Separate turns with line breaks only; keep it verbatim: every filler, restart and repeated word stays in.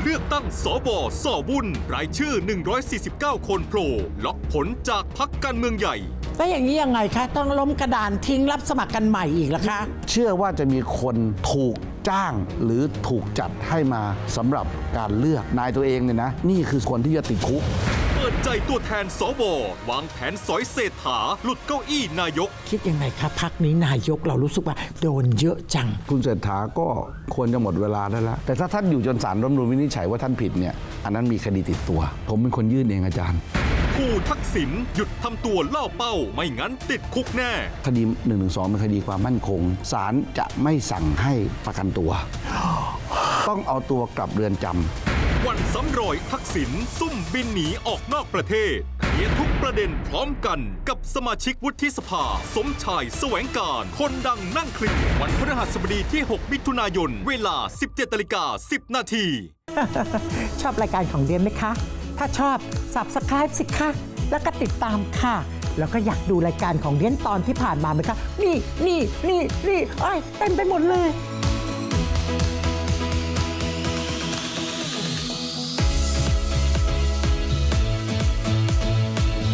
เลือกตั้งสวสวุ่นรายชื่อหนึ่งร้อยสี่สิบเก้าคนโผล่ล็อกผลจากพรรคการเมืองใหญ่
แล้วอย่างนี้ยังไงคะต้องล้มกระดานทิ้งรับสมัครกันใหม่อีกล่ะคะ
เชื่อว่าจะมีคนถูกจ้างหรือถูกจัดให้มาสำหรับการเลือกนายตัวเองเนี่ยนะนี่คือคนที่จะติดคุก
เปิดใจตัวแทนสววางแผนสอยเศรษฐาหลุดเก้าอี้นายก
คิดยังไงครับพรรคนี้นายกเรารู้สึกว่าโดนเยอะจัง
คุณเศรษฐาก็ควรจะหมดเวลาได้แล้วแต่ถ้าท่านอยู่จนศาลรัฐธรรมนูญวินิจฉัยว่าท่านผิดเนี่ยอันนั้นมีคดีติดตัวผมเป็นคนยื่นเองอาจารย์
ผู้ทักษิณหยุดทำตัวล่อเป้าไม่งั้นติดคุกแน่
คดีหนึ่งหนึ่งสองเป็นคดีความมั่นคงศาลจะไม่สั่งให้ประกันตัวต้องเอาตัวกลับเรือนจำ
วันซ้ำรอยทักษิณซุ่มบินหนีออกนอกประเทศเคลียร์ทุกประเด็นพร้อมกันกับสมาชิกวุฒิสภาสมชายแสวงการคนดังนั่งเคลียร์วันพฤหัสบดีที่หกมิถุนายนเวลา สิบเจ็ดนาฬิกาสิบนาที
ชอบรายการของเดียนไหมคะถ้าชอบ Subscribe สิคะแล้วก็ติดตามค่ะแล้วก็อยากดูรายการของเดียนตอนที่ผ่านมาไหมคะนี่นี่นี่นี่เอ้ยเต็มไปหมดเลย